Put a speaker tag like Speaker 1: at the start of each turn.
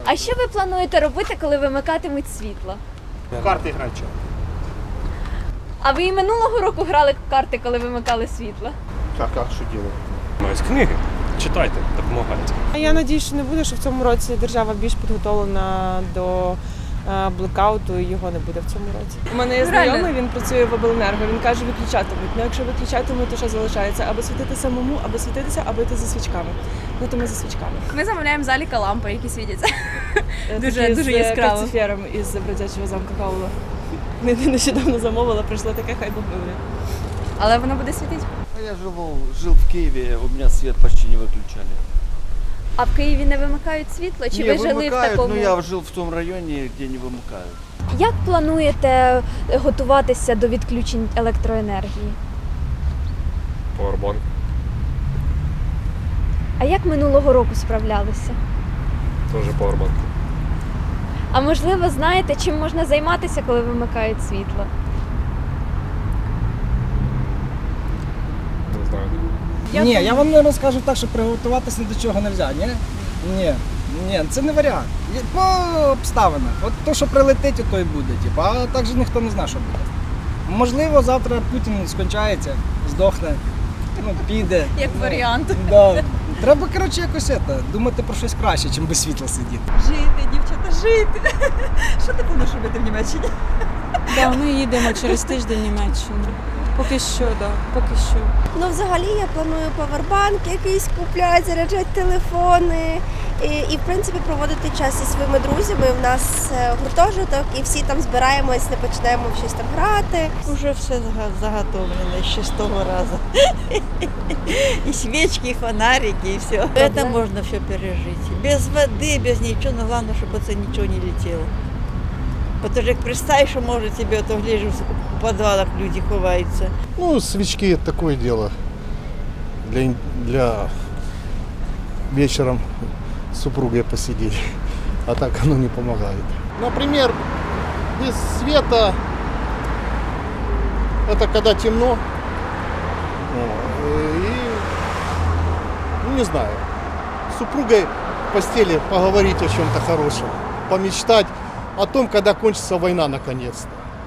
Speaker 1: А що ви плануєте робити, коли вимикатимуть світло?
Speaker 2: В карти грати.
Speaker 1: А ви і минулого року грали в карти, коли вимикали світло?
Speaker 2: Так, а що робити?
Speaker 3: Ось книги. Читайте, допомагайте.
Speaker 4: Я надію, що не буде, що в цьому році держава більш підготовлена до блекауту і його не буде в цьому році. У мене є знайомий, він працює в обленерго, він каже, виключатимуть. Ну якщо виключатимуть, то що залишається? Або світити самому, або світитися, або йти за свічками. Ну то ми за свічками.
Speaker 5: Ми замовляємо в заліка лампи, які світяться.
Speaker 4: Дуже
Speaker 5: Дуже яскраво.
Speaker 4: З кальцифером із бродячого замка Каула. Нещодавно замовила, прийшло таке, хай Бог милує.
Speaker 5: Але воно буде світити.
Speaker 6: Я жил в Киеве, у меня свет почти не выключали.
Speaker 1: А в Києві не вимикають світло? Чи ви жили в
Speaker 6: вымыкают,
Speaker 1: такому?
Speaker 6: но я жил в том районе, где не вымыкают.
Speaker 1: Як плануєте готуватися до відключень електроенергії?
Speaker 3: Powerbank.
Speaker 1: А як минулого року справлялися?
Speaker 3: Теж Powerbank.
Speaker 1: А можливо, знаєте, чим можна займатися, коли вимикають світло?
Speaker 3: Не знаю.
Speaker 7: Ні, я вам не розкажу так, що приготуватися ні до чого не можна. Ні, це не варіант. По обставинах. От то, що прилетить, то і буде. А так же ніхто не знає, що буде. Можливо, завтра Путін скончається, здохне, піде.
Speaker 5: Як варіант.
Speaker 7: Да. Треба, коротше, якось думати про щось краще, ніж без світла сидіти.
Speaker 5: Жити, дівчата, жити. Що ти плануєш робити в Німеччині?
Speaker 8: Да, ми їдемо через тиждень в Німеччину. Поки що, да, поки що.
Speaker 9: Ну, взагалі я планую павербанк якийсь купляти, заряджати телефони і в принципі проводити час зі своїми друзями. У нас гуртожиток і всі там збираємось, не почнемо в щось там грати.
Speaker 10: Уже все заготовлено ще з того разу. И свечки, и фонарики, и все. Это можно все пережить. Без воды, без ничего, но главное, чтобы это ничего не летело. Потому что представь, что может тебе, то гляжу, в подвалах люди ховаются.
Speaker 2: Ну, свечки – это такое дело. Для вечером с супругой посидеть. А так оно не помогает. Например, без света – это когда темно. И, ну, не знаю, с супругой в постели поговорить о чем-то хорошем, помечтать о том, когда кончится война наконец-то.